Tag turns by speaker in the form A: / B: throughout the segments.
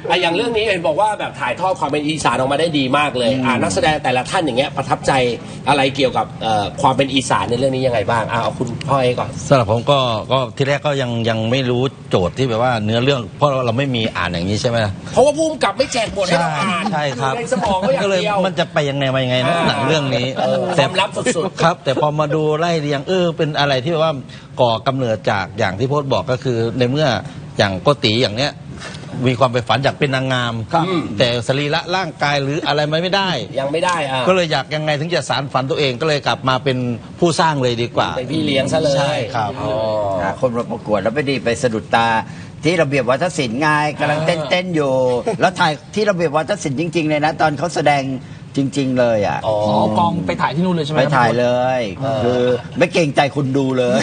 A: อย่างเรื่องนี้เห็นบอกว่าแบบถ่ายทอดความเป็นอีสานออกมาได้ดีมากเลยนักแสดงแต่ละท่านอย่างเงี้ยประทับใจอะไรเกี่ยวกับความเป็นอีสานในเรื่องนี้ยังไงบ้างเอาคุณพ่อเอก่อน
B: สำหรับผมก็ที่แรกก็ยังไม่รู้โจทย์ที่แบบว่าเนื้อเรื่องเพราะเราไม่มีอ่านอย่างนี้ใช่ไหม
A: เพราะว่าผู้กำกับไม่แจกบทให้เราอ่าน
B: ใช่ครับ
A: ในสมองก็อย่างเดียว
B: มันจะไปยังไงมายังไงนะหนังเรื่องนี้
A: ความลับสุดๆ
B: ครับแต่พอมาดูไล่เรียงเป็นอะไรที่แบบว่าก่อกำเนิดจากอย่างที่โพสต์บอกก็คือในเมื่ออย่างโกติอย่างเนี้ยมีความไปฝันอยากเป็นนางงามแต่สรีระร่างกายหรืออะไรไม่ได้
A: ยังไม่ได้
B: ก็เลยอยากยังไงถึงจะสารฝันตัวเองก็เลยกลับมาเป็นผู้สร้างเลยดีกว่า
A: เป็นพี่เลี้ยงซะเลย
B: ใช่ครับ
C: คนมาประกวดแล้วไม่ดีไปสะดุดตาที่ระเบียบวัฒนศิลป์ไงกำลังเต้นอยู่แล้วถ่ายที่ระเบียบวัฒนศิลป์จริงๆเลยนะตอนเขาแสดงจริงๆเลยอ่ะ
D: กองไปถ่ายที่นู่นเลยใช่ไหม
C: ไปถ่ายเลยคือไม่เกรงใจคุณดูเลย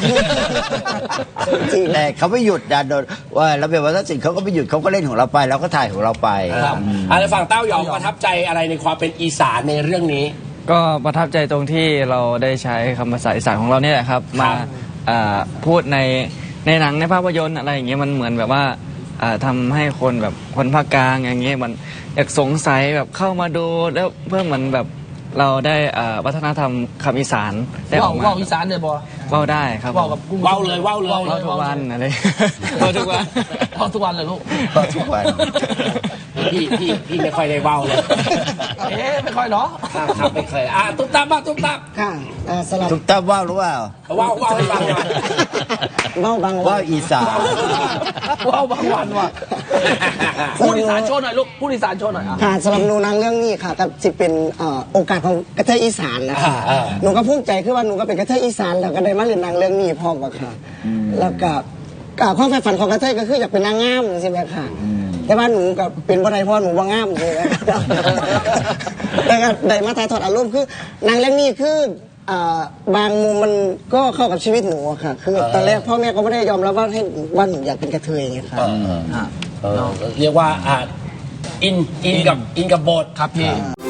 C: แต่เขาไม่หยุดดันโดนว่าระเบียบวัฒนศิลป์เขาก็ไม่หยุดเขาก็เล่นของเราไปแล้วก็ถ่ายของเราไป
A: อะไรฝั่งเต้ายองประทับใจอะไรในความเป็นอีสานในเรื่องนี้
E: ก็ประทับใจตรงที่เราได้ใช้คำภาษาอีสานของเราเนี่ยแหละครับมาพูดในหนังในภาพยนตร์อะไรอย่างเงี้ยมันเหมือนแบบว่าทำให้คนแบบคนภาคกลางอย่างเงี้ยมันอยากสงสัยแบบเข้ามาดูแล้วเพื่อเหมือนแบบเราได้วัฒนธรรมคำอีสานได้ออกมา
D: ว่าวอีสานเลยบอ
E: ว่าวได้ครับ
D: ว่าวกับ
A: ว่าวเลยว่าว
E: ทุกวันอะไรว่าวทุกวัน
D: ว่าวทุกวันเลยลูก
C: ว่าวทุกวัน
A: พี่ไม่ค่อยได้ว่าวเลย
D: ไม่ค่อยเนาะ
A: ครับไม่เคยตุ๊บตับบ้างตุ๊บตับ
F: ค่ะสลับ
C: ตุ๊บตับว่าวหรือเปล่า
A: ว่าวให้ฟังหน่อย
F: ว่าวบาง
C: ว่าวอีสาน
D: ว่าวบางวันว่ะพูดอีสานโชว์หน่อยลูกพูดอีสานโชว์หน่อย
F: ค่ะสำหรับหนูนางเรื่องนี้ค่ะกับสิเป็นโอกาสของกระเทยอีสานนะคะหนูก็ภูมิใจคือว่าหนูก็เป็นกระเทยอีสานแล้วก็ได้มาเรียนนางเรื่องนี้พร้อมกันค่ะแล้วก็ความใฝ่ฝันของกระเทยก็คืออยากเป็นนางงามใช่ไหมค่ะแต่ว่าหนูกับเป็นบ่ได้เพราะหนูว่างามเลยนะแต่ก็ได้มาถ่ายทอดอารมณ์คือนางเรื่องนี้คือบางมุมมันก็เข้ากับชีวิตหนูค่ะคือตอนแรกพ่อแม่ก็ไม่ได้ยอมรับว่าหนูอยากเป็นกระเทยไงค่ะ
A: เรียกว่าอินกับบท
D: ครับพี่